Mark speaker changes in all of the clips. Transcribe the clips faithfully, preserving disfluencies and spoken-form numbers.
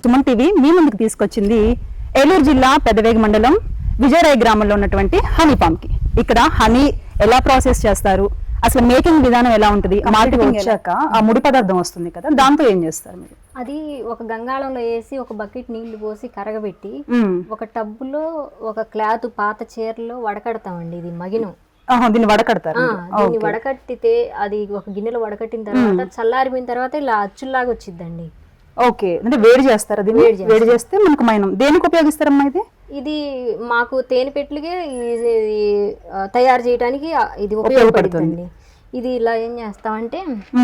Speaker 1: Suman TV మీ ముందుకు తీసుకొచ్చింది ఏలూరు జిల్లా పెదవేగి మండలం విజయరాయ్ గ్రామంలో ఉన్నటువంటి హనీ ఫామ్ కి. ఇక్కడ హనీ ఎలా ప్రాసెస్ చేస్తారు, అసలు మేకింగ్ విధానం ఎలా ఉంటుంది, మార్కెటింగ్ వచ్చాక ఆ ముడి పదార్థం వస్తుంది కదా, దాంతో ఏం చేస్తారు మీరు?
Speaker 2: అది ఒక గంగాళంలో వేసి ఒక బకెట్ నీళ్లు పోసి కరగబెట్టి ఒక టబ్బులో ఒక క్లాత్ పాత చీరలో వడకడతామండి. ఇది మగినం.
Speaker 1: దీన్ని వడకడతారు.
Speaker 2: దీన్ని వడకట్టితే అది ఒక గిన్నెలో వడకట్టిన తర్వాత చల్లారిపోయిన తర్వాత ఇలా అచ్చుల్లాగా వచ్చిందండి.
Speaker 1: ఓకే, అంటే వేడి చేస్తారు. అది వేడి చేస్తే మనకు మైనం. దేనికి ఉపయోగిస్తారమ్మా ఇది?
Speaker 2: ఇది మాకు తేనె పెట్లుగా తయారు చేయడానికి ఇది ఉపయోగపడుతుంది. ఇది ఇలా ఏం చేస్తామంటే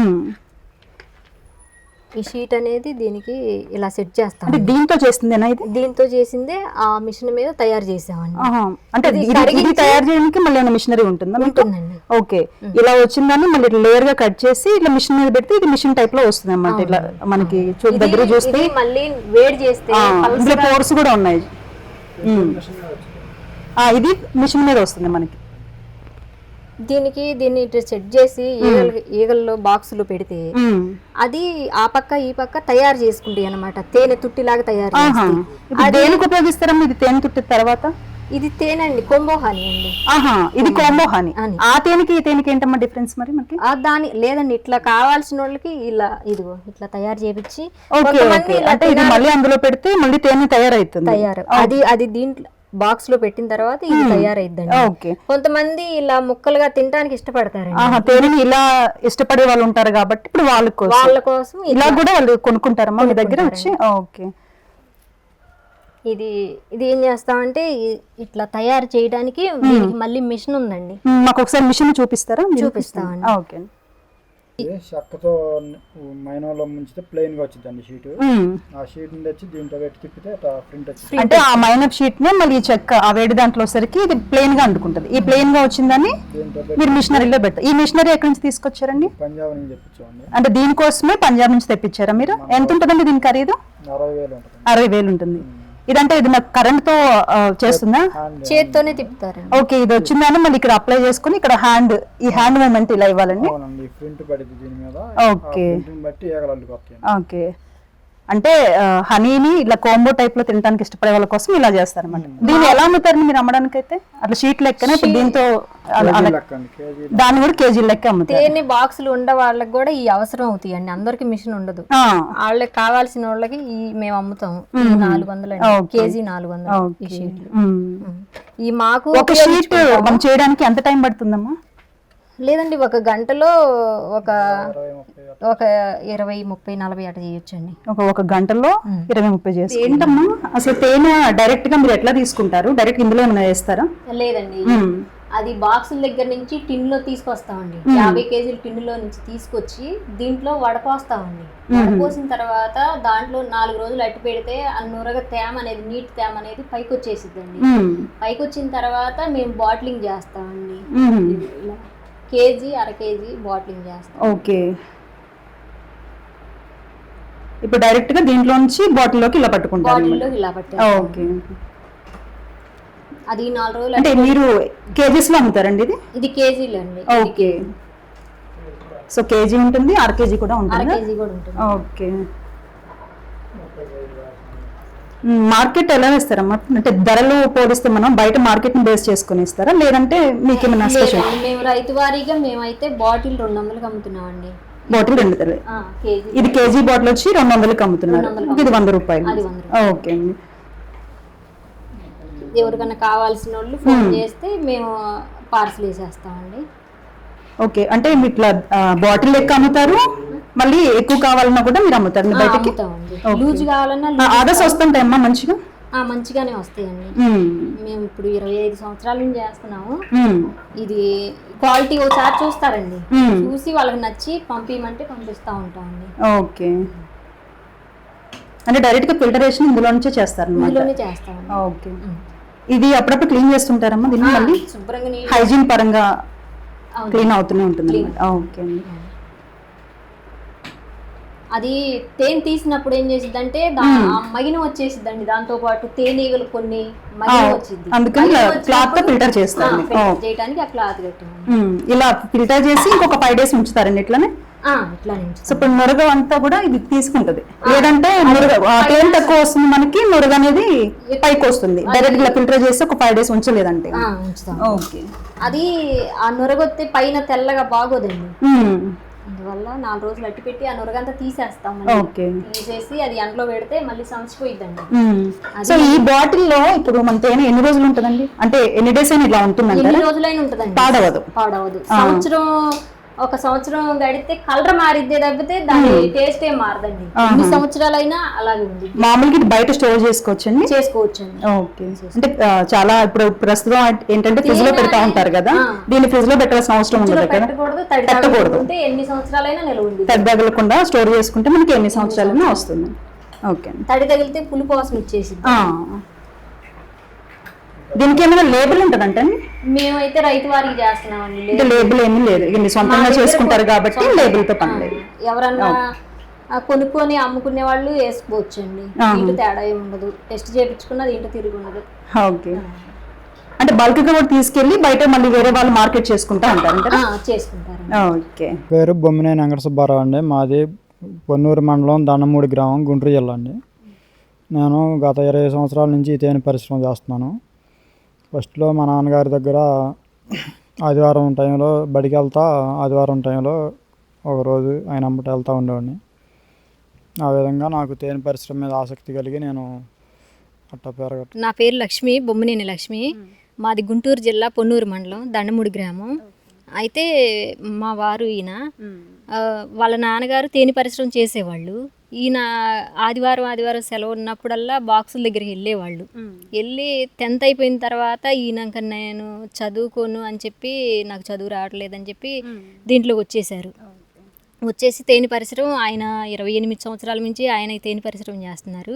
Speaker 2: ఈ షీట్ అనేది దీనికి ఇలా సెట్ చేస్తాం.
Speaker 1: దీంతో చేసిందేనా ఇది?
Speaker 2: దీంతో చేసిందే ఆ మిషన్ మీద తయారు చేసామండి.
Speaker 1: అంటే ఇది తయారు చేయడానికి మళ్ళీ ఏమైనా మిషనరీ ఉంటుందా?
Speaker 2: ఉంటుందండి.
Speaker 1: ఓకే, ఇలా వచ్చిందని మళ్ళీ లేయర్ గా కట్ చేసి ఇట్లా మిషన్ మీద పెడితే ఇది మిషన్ టైప్ లో వస్తుంది అన్నమాట. ఇట్లా మనకి దగ్గర చూస్తే
Speaker 2: మళ్ళీ వేడి చేస్తే
Speaker 1: పోర్స్ కూడా ఉన్నాయి. ఇది మిషన్ మీద వస్తుంది మనకి.
Speaker 2: దీనికి దీన్ని ఇట్లా సెట్ చేసి ఈగలు ఈగల్లో బాక్సులు పెడితే అది ఆ పక్క ఈ పక్క తయారు చేసుకుంటాయి అన్నమాట. తేనె తుట్టిలాగా తయారు చేస్తాయి.
Speaker 1: దేనికి ఉపయోగిస్తారమ్మా ఇది తేనె తుట్టి తర్వాత?
Speaker 2: ఇది తేనె అండి, కోంబో హనీ అండి.
Speaker 1: ఆహా, ఇది కోంబో హనీ. ఆ తేనెకి ఈ తేనెకి ఏంటమ్మా డిఫరెన్స్ మరి మనకి?
Speaker 2: దాని లేదండి, ఇట్లా కావాల్సిన వాళ్ళకి ఇలా ఇదిగో ఇట్లా తయారు చేపించి
Speaker 1: అంటే ఇది మళ్ళీ అందులో పెడితే మళ్ళీ తేనె తయారైతుంది.
Speaker 2: తయారు అది అది దీంట్లో బాక్స్ లో పెట్టిన తర్వాత ఇది తయారైద్దండి. కొంతమంది ఇలా ముక్కలుగా తినడానికి ఇష్టపడతారు.
Speaker 1: తేనెని ఇలా ఇష్టపడే వాళ్ళు ఉంటారు కాబట్టి ఇప్పుడు వాళ్ళ కోసం
Speaker 2: వాళ్ళ కోసం
Speaker 1: ఇలా కూడా వాళ్ళు కొనుక్కుంటారమ్మా మీ దగ్గర వచ్చి. ఓకే,
Speaker 2: ఇది ఇది ఏం చేస్తామంటే ఇట్లా తయారు చేయడానికి మళ్ళీ మిషన్ ఉందండి.
Speaker 1: మాకు ఒకసారి మిషన్ చూపిస్తారా?
Speaker 2: చూపిస్తామండి.
Speaker 1: ఓకే,
Speaker 3: చెక్కతో మైనంలో ముంచితే ప్లెయిన్ గా వచ్చిందండి షీట్. ఆ షీట్ నుండి వచ్చి దీంట్లో పెట్టి తిప్పితే ప్రింట్ వచ్చింది.
Speaker 1: అంటే ఆ మైనప్ షీట్ నే మళ్ళీ చెక్క ఆ వేడి దాంట్లో సరికి ఇది ప్లెయిన్ గా అందుకుంటది. ఈ ప్లెయిన్ గా వచ్చిందని మీరు మిషనరీలో పెట్టారు. ఈ మిషనరీ ఎక్కడి నుంచి తీసుకొచ్చారండి?
Speaker 3: పంజాబ్ నుంచి తెప్పించామండి.
Speaker 1: అంటే దీనికోసమే పంజాబ్ నుంచి తెప్పించారా మీరు? ఎంత ఉంటుందండి దీని ఖరీదు?
Speaker 3: అరవై వేలు ఉంటుంది.
Speaker 1: అరవై వేలు ఉంటుంది. ఇదంటే ఇది నాకు కరెంట్ తో చేస్తుందా?
Speaker 2: చేత్తోనే తిప్పుతారు.
Speaker 1: ఓకే, ఇది వచ్చిందని మళ్ళీ ఇక్కడ అప్లై చేసుకుని ఇక్కడ హ్యాండ్ ఈ హ్యాండ్ మూమెంట్ ఇలా ఇవ్వాలండి. ఓకే ఓకే, అంటే హనీని ఇట్లా కోంబో టైప్ లో తినడానికి ఇష్టపడే వాళ్ళ కోసం ఇలా చేస్తారు అనమాట. దీన్ని ఎలా అమ్ముతారు మీరు అమ్మడానికి? అయితే అట్లా షీట్ లెక్కనే దీంతో దాన్ని కూడా కేజీ లెక్క అమ్ముతారు.
Speaker 2: తేనె బాక్సులు ఉండే వాళ్ళకి కూడా ఈ అవసరం అవుతాయి అండి. అందరికి మిషన్ ఉండదు. వాళ్ళకి కావాల్సిన వాళ్ళకి ఈ మేము అమ్ముతాం. నాలుగు వందలు కేజీ నాలుగు వందలు ఈ షీట్లు. ఈ మాకు
Speaker 1: ఒక షీట్ చేయడానికి ఎంత టైం పడుతుందమ్మా?
Speaker 2: లేదండి, ఒక గంటలో ఒక ఒక ఇరవై ముప్పై నలభై అట్లా చేయొచ్చు అండి.
Speaker 1: ఒక ఒక గంటలో ఇరవై ముప్పై చేసి. ఏంటమ్మా అసలు తేనె డైరెక్ట్ గా మీరు ఎట్లా తీసుకుంటారు? డైరెక్ట్ ఇందులో ఏమైనా వేస్తారా?
Speaker 2: లేదండి, అది బాక్సుల దగ్గర నుంచి టిన్ లో తీసుకొస్తామండి. యాభై కేజీల టిన్ లో నుంచి తీసుకొచ్చి దీంట్లో వడపోస్తామండి. వడపోసిన తర్వాత దాంట్లో నాలుగు రోజులు అట్టి పెడితే ఆ నురగ తేమ అనేది నీటి తేమ అనేది పైకి వచ్చేసిద్దండి. పైకి వచ్చిన తర్వాత మేము బాటిలింగ్ చేస్తామండి. ఇలా కేజీ అర కేజీ బాటిలింగ్ చేస్తాం.
Speaker 1: ఓకే, ఇప్పుడు డైరెక్ట్ గా దీంట్లో నుంచి బాటిల్లోకి ఇలా పట్టుకుంటారు.
Speaker 2: బాటిల్లోకి ఇలా పట్టారు.
Speaker 1: ఓకే,
Speaker 2: అది నాలుగు రోజులు.
Speaker 1: అంటే మీరు కేజీస్ లో అమ్ముతారండి ఇది?
Speaker 2: ఇది కేజీలు అండి.
Speaker 1: ఓకే, సో కేజీ ఉంటుంది, అర కేజీ కూడా ఉంటుంది.
Speaker 2: అర కేజీ కూడా ఉంటుంది.
Speaker 1: ఓకే, మార్కెట్ ఎలా వేస్తారమ్మా? అంటే ధరలు పోలిస్తే మనం బయట మార్కెట్ ని బేస్ చేసుకుని ఇస్తారా, లేదంటే మీకు ఏమైనా స్పెషల్?
Speaker 2: మేము రైతు వారీగా మేమైతే బాటిల్ రెండు వందలకి అమ్ముతున్నామండి.
Speaker 1: బాటిల్ రెండు వందలు. ఇది కేజీ బాటిల్ వచ్చి రెండు వందలకి అమ్ముతున్నారు. ఇది వంద రూపాయలు. ఓకే అండి.
Speaker 2: ఎవరికైనా కావాల్సిన వాళ్ళు ఫోన్ చేస్తే మేము పార్సల్ వేసేస్తామండి.
Speaker 1: ఓకే, అంటే మీరు ఇట్లా బాటిల్ లెక్క అమ్ముతారు, మళ్ళీ ఎక్కువ కావాలన్నా కూడా మీరు అమ్ముతారు బయటకి?
Speaker 2: లూజ్ కావాలన్నా
Speaker 1: ఆర్డర్స్ వస్తుంటాయమ్మా మంచిగా?
Speaker 2: మంచిగానే వస్తాయండి. మేము ఇప్పుడు ఇరవై ఐదు సంవత్సరాల నుంచి చేస్తున్నాము. ఇది క్వాలిటీ ఒకసారి చూస్తారండి, చూసి వాళ్ళకి నచ్చి పంపించమంటే పంపిస్తా ఉంటామండి.
Speaker 1: ఓకే, అంటే డైరెక్ట్ గా ఫిల్టరేషన్ ఇందులో నుంచే చేస్తారు?
Speaker 2: ఇందులోనే చేస్తాం.
Speaker 1: ఓకే, ఇది అప్పుడప్పుడు క్లీన్ చేస్తుంటారమ్మా దీన్ని? మళ్ళీ
Speaker 2: శుభ్రంగా
Speaker 1: హైజీన్ పరంగా క్లీన్ అవుతూనే ఉంటుంది. ఓకే,
Speaker 2: అది తేనె తీసినప్పుడు ఏం చేసిద్దంటే మగినం వచ్చేసిద్దండి. దాంతో పాటు తేనెగలు కొన్ని మగినం వచ్చింది.
Speaker 1: అందుకని క్లాత్ తో ఫిల్టర్ చేస్తారు
Speaker 2: చేయడానికి ఆ క్లాత్ కట్టాము.
Speaker 1: ఇలా ఫిల్టర్ చేసి ఇంకొక ఫైవ్ డేస్ ఉంచుతారండి ఇట్లానే?
Speaker 2: ఆ, ఇట్లానే ఉంచుతాం.
Speaker 1: సో ఇప్పుడు నురగ అంతా కూడా ఇది తీసుకుంటది, లేదంటే నురగ ఆ తేనె తక్కువ వస్తుంది మనకి, నురగ అనేది పైకి వస్తుంది. డైరెక్ట్ గా ఫిల్టర్ చేసి ఒక ఫైవ్ డేస్ ఉంచలేదంటే.
Speaker 2: ఆ, ఉంచుతాం.
Speaker 1: ఓకే.
Speaker 2: అది ఆ నురగొత్తే పైన తెల్లగా బాగోదండి, అందువల్ల నాలుగు రోజులు అట్టి పెట్టి ఆ నురగంతా తీసేస్తాం.
Speaker 1: ఓకే.
Speaker 2: తీసేసి అది ఎండలో పెడితే మళ్ళీ సంచిపోయిద్దండి.
Speaker 1: సో ఈ బాటిల్ లో ఇప్పుడు మన తేనె ఎన్ని రోజులు ఉంటుందండి, అంటే ఎన్ని డేస్ అయినా ఇలా ఉంటుందండి?
Speaker 2: ఎన్ని రోజులైనా ఉంటుందండి,
Speaker 1: పాడవదు.
Speaker 2: పాడవదు. సంవత్సరం ఒక సంవత్సరం గడితే కలర్ మారిద్దే తప్పితే దాని టేస్ట్ ఏం మారదండి. ఎన్ని సంవత్సరాలైనా అలాగే ఉంది.
Speaker 1: మామూలుగా ఇది బయట స్టోర్ చేసుకోవచ్చండి?
Speaker 2: చేసుకోవచ్చండి.
Speaker 1: ఓకే. అంటే చాలా ఇప్పుడు ప్రస్తుతం ఏంటంటే ఫ్రిడ్జ్ లో పెడతా ఉంటారు కదా, దీన్ని ఫ్రిడ్జ్ లో పెట్టాల్సిన అవసరం ఉండదు కదా.
Speaker 2: పెట్టకూడదు, తడి తగలకుంటే ఎన్ని సంవత్సరాలైనా నిల్వ ఉంది.
Speaker 1: తడి తగలకుండా స్టోర్ చేసుకుంటే మనకి ఎన్ని సంవత్సరాలైనా వస్తుంది. ఓకే.
Speaker 2: తడి తగిలితే పులుపు వాసన వచ్చేసి.
Speaker 1: దీనికి ఏమైనా లేబుల్ ఉంటుందంటే?
Speaker 2: మేమైతే రైతు వారికి చేస్తున్నామండి.
Speaker 1: లేబుల్ ఏమీ లేదు, ఇది సొంతంగా చేసుకుంటారు కాబట్టి లేబుల్ తో పని లేదు.
Speaker 2: ఎవరన్నా కొనుక్కొని అమ్ముకునే వాళ్ళు వేసుకోవచ్చండి, దీంట్లో తేడా ఏమి ఉండదు. టెస్ట్ చేయించుకున్న దీంట్లో తిరిగి ఉండదు.
Speaker 1: ఓకే. అంటే బల్క్ గా కూడా తీసుకెళ్లి బయట మళ్ళీ వేరే వాళ్ళు మార్కెట్ చేసుకుంటా ఉంటారు,
Speaker 2: చేసుకుంటారు.
Speaker 1: ఓకే.
Speaker 3: పేరు బొమ్మినేని వెంకట సుబ్బారావు అండి. మాది పొన్నూరు మండలం దండమూడి గ్రామం, గుంటూరు జిల్లా అండి. నేను గత ఇరవై సంవత్సరాల నుంచి ఈ తేనె పరిశ్రమ చేస్తున్నాను. ఫస్ట్లో మా నాన్నగారి దగ్గర ఆదివారం టైంలో బడికి వెళ్తా, ఆదివారం టైంలో ఒకరోజు ఆయన అమ్మట వెళ్తూ ఉండేవాడిని. ఆ విధంగా నాకు తేనె పరిశ్రమ మీద ఆసక్తి కలిగి నేను అట్ట పెరగట్టు.
Speaker 2: నా పేరు లక్ష్మి, బొమ్మినేని లక్ష్మి. మాది గుంటూరు జిల్లా పొన్నూరు మండలం దండమూడి గ్రామం. అయితే మా వారు ఈయన వాళ్ళ నాన్నగారు తేనె పరిశ్రమ చేసేవాళ్ళు. ఈయన ఆదివారం ఆదివారం సెలవు ఉన్నప్పుడల్లా బాక్సుల దగ్గరికి వెళ్ళేవాళ్ళు. వెళ్ళి టెన్త్ అయిపోయిన తర్వాత ఈయనక నేను చదువుకోను అని చెప్పి, నాకు చదువు రావట్లేదని చెప్పి దీంట్లోకి వచ్చేసారు. వచ్చేసి తేనె పరిశ్రమ ఆయన ఇరవై ఎనిమిది సంవత్సరాల నుంచి ఆయన తేనె పరిశ్రమ చేస్తున్నారు.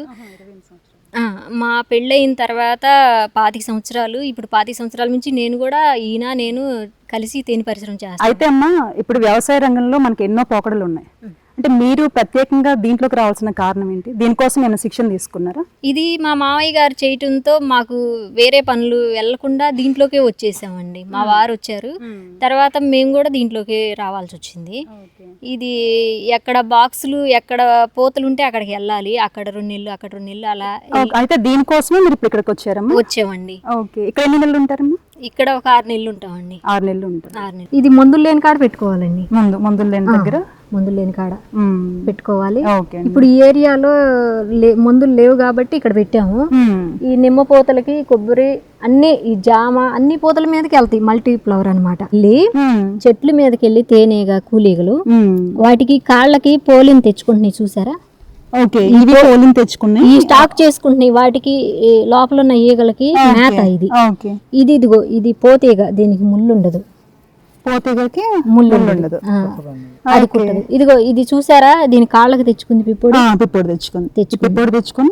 Speaker 2: మా పెళ్ళయిన తర్వాత పాతిక సంవత్సరాలు ఇప్పుడు పాతిక సంవత్సరాల నుంచి నేను కూడా ఈయన నేను కలిసి తేనె పరిశ్రమ చేస్తాను.
Speaker 1: అయితే అమ్మా, ఇప్పుడు వ్యవసాయ రంగంలో మనకి ఎన్నో పోకడలు ఉన్నాయి. అంటే మీరు ప్రత్యేకంగా దీంట్లోకి రావాల్సిన కారణం ఏంటి? దీనికోసం ఏమైనా శిక్షణ తీసుకున్నారా?
Speaker 2: ఇది మా మామయ్య గారు చేయటంతో మాకు వేరే పనులు వెళ్లకుండా దీంట్లోకే వచ్చేసామండి. మా వారు వచ్చారు తర్వాత మేము కూడా దీంట్లోకి రావాల్సి వచ్చింది. ఇది ఎక్కడ బాక్సులు ఎక్కడ పోతలు ఉంటే అక్కడికి వెళ్ళాలి, అక్కడ రెండు నెలలు అక్కడ రెండు నెలలు అలా.
Speaker 1: అయితే దీనికోసమే మీరు ఇప్పుడు ఇక్కడికి వచ్చారమ్మా?
Speaker 2: వచ్చామండి.
Speaker 1: ఓకే. ఇక్కడ ఎన్ని నెలలు ఉంటారమ్మా?
Speaker 2: ఇక్కడ ఒక ఆరు నెలలు ఉంటామండి.
Speaker 1: ఆరు నెలలు ఉంటారు.
Speaker 2: ఆరు నెలలు. ఇది మందులు లేని కాడ పెట్టుకోవాలండి.
Speaker 1: ముందు మందులు లేని దగ్గర
Speaker 2: మందులు లేని కాడ పెట్టుకోవాలి.
Speaker 1: ఓకే.
Speaker 2: ఇప్పుడు ఈ ఏరియాలో మందులు లేవు కాబట్టి ఇక్కడ పెట్టాము. ఈ నిమ్మ పూతలకి కొబ్బరి అన్ని ఈ జామ అన్ని పూతల మీదకి వెళ్తాయి. మల్టీ ఫ్లవర్ అనమాట. వెళ్ళి చెట్ల మీదకి వెళ్ళి తేనెగా కూలీగలు వాటికి కాళ్ళకి పోలిని తెచ్చుకుంటున్నాయి చూసారా?
Speaker 1: ఓకే. ఇవి పోలిని తెచ్చుకున్నాయి,
Speaker 2: ఈ స్టాక్ చేసుకుంటున్నాయి. వాటికి లోపల ఉన్న ఈగలకి మేత ఇది. ఇది ఇదిగో ఇది పోతీగ, దీనికి ముళ్ళు ఉండదు.
Speaker 1: పోతీగకి
Speaker 2: ముళ్ళు ఉండదు, అది కుట్టదు. ఇదిగో ఇది చూసారా? దీని కాళ్ళకి తెచ్చుకుంది పిప్పుడు.
Speaker 1: పిప్పుడు తెచ్చుకుంది తెచ్చు పిప్పుడు తెచ్చుకుని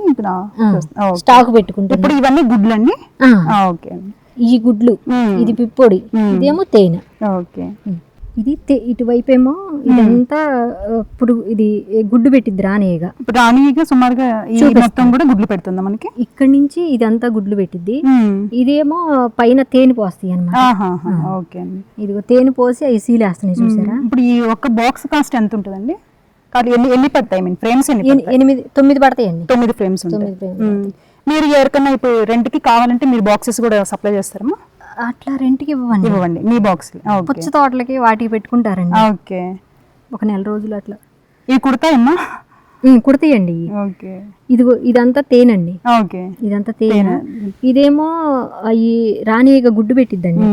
Speaker 2: స్టాక్ పెట్టుకుంటుంది.
Speaker 1: ఇప్పుడు ఇవన్నీ గుడ్లు అండి? ఓకే.
Speaker 2: ఈ గుడ్లు, ఇది పిప్పొడి, ఇదేమో తేనె.
Speaker 1: ఓకే.
Speaker 2: ఇది ఇటువైపు ఏమో ఇదంతా పురుగు, ఇది గుడ్డు పెట్టిద్ది రాణిగా.
Speaker 1: రాణిగా సుమారుగా మొత్తం కూడా గుడ్లు పెడుతుందా మనకి?
Speaker 2: ఇక్కడ నుంచి ఇదంతా గుడ్లు పెట్టిద్ది. ఇదేమో పైన తేనె పోస్తాయి అన్నమాట.
Speaker 1: ఓకే.
Speaker 2: ఇదిగో తేనె పోసి అవి సీలేస్తున్నాయి చూసారా?
Speaker 1: ఇప్పుడు ఈ ఒక్క బాక్స్ కాస్ట్ ఎంత ఉంటుందండి? ఎన్ని ఎన్ని పడతాయి? మీన్ ఫ్రేమ్స్
Speaker 2: ఎనిమిది తొమ్మిది పడతాయండి.
Speaker 1: తొమ్మిది ఫ్రేమ్స్ ఉంటాయి. మీరు ఎవరికన్నా ఇప్పుడు రెంట్ కి కావాలంటే మీరు బాక్సెస్ కూడా సప్లై చేస్తారమ్మా?
Speaker 2: అట్లా రెంట్కి ఇవ్వండి.
Speaker 1: ఇవ్వండి మీ బాక్స్.
Speaker 2: పుచ్చ తోటలకి వాటికి పెట్టుకుంటారండి.
Speaker 1: ఓకే.
Speaker 2: ఒక నెల రోజులు అట్లా.
Speaker 1: ఇవి కుడతాయమ్మా?
Speaker 2: కుడతాయండి.
Speaker 1: ఓకే.
Speaker 2: ఇదిగో ఇదంతా తేనండి.
Speaker 1: ఓకే.
Speaker 2: ఇదంతా తేనె. ఇదేమో ఈ రాణిగా గుడ్డు పెట్టిద్దండి.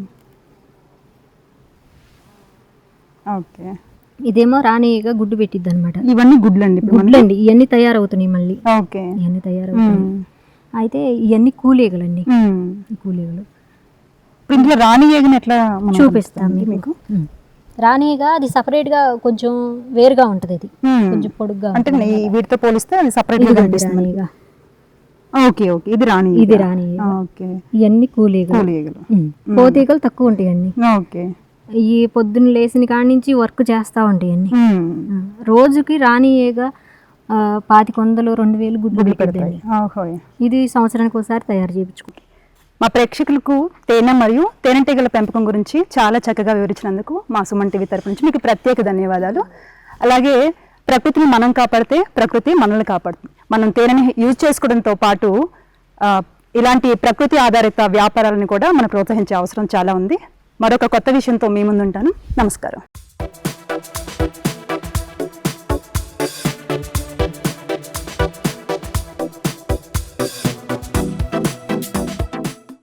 Speaker 1: ఓకే.
Speaker 2: ఇదేమో రాణిగా గుడ్డు పెట్టిద్ది అనమాట.
Speaker 1: ఇవన్నీ గుడ్లండి?
Speaker 2: గుడ్లండి. ఇవన్నీ తయారవుతున్నాయి మళ్ళీ.
Speaker 1: ఓకే.
Speaker 2: ఇవన్నీ తయారవుతున్నాయి. అయితే ఇవన్నీ కూలీగలండి. కూలీగలు.
Speaker 1: ఇంట్లో రాణి ఏగని ఎట్లా
Speaker 2: చూపిస్తాను మీకు. రాణిగా అది సపరేట్ గా కొంచెం వేరుగా ఉంటది. ఇది కొంచెం పొడుగ్గా
Speaker 1: అంటే వీటితో పోలిస్తే అది సపరేట్ గా కనిపిస్తుంది. ఓకే. ఓకే. ఇది రాణి.
Speaker 2: ఇది రాణి.
Speaker 1: ఓకే.
Speaker 2: ఇవన్నీ కూలీగలు. పోతీగలు తక్కువ ఉంటాయండి.
Speaker 1: ఓకే.
Speaker 2: ఈ పొద్దున్న లేచిన కాడి నుంచి వర్క్ చేస్తా ఉంటాయండి. రోజుకి రాణిగా పాతిక వందలు రెండు వేలు గుడ్లు పెట్టండి. ఇది సంవత్సరానికి ఒకసారి తయారు చేయించుకుంటాం.
Speaker 1: మా ప్రేక్షకులకు తేనె మరియు తేనెటీగల పెంపకం గురించి చాలా చక్కగా వివరించినందుకు మా సుమన్ టీవీ తరపు నుంచి మీకు ప్రత్యేక ధన్యవాదాలు. అలాగే ప్రకృతిని మనం కాపాడితే ప్రకృతి మనల్ని కాపాడుతుంది. మనం తేనెని యూజ్ చేసుకోవడంతో పాటు ఆ, ఇలాంటి ప్రకృతి ఆధారిత వ్యాపారాలను కూడా మనం ప్రోత్సహించే అవసరం చాలా ఉంది. మరొక కొత్త విషయంతో మీ ముందుంటాను. నమస్కారం.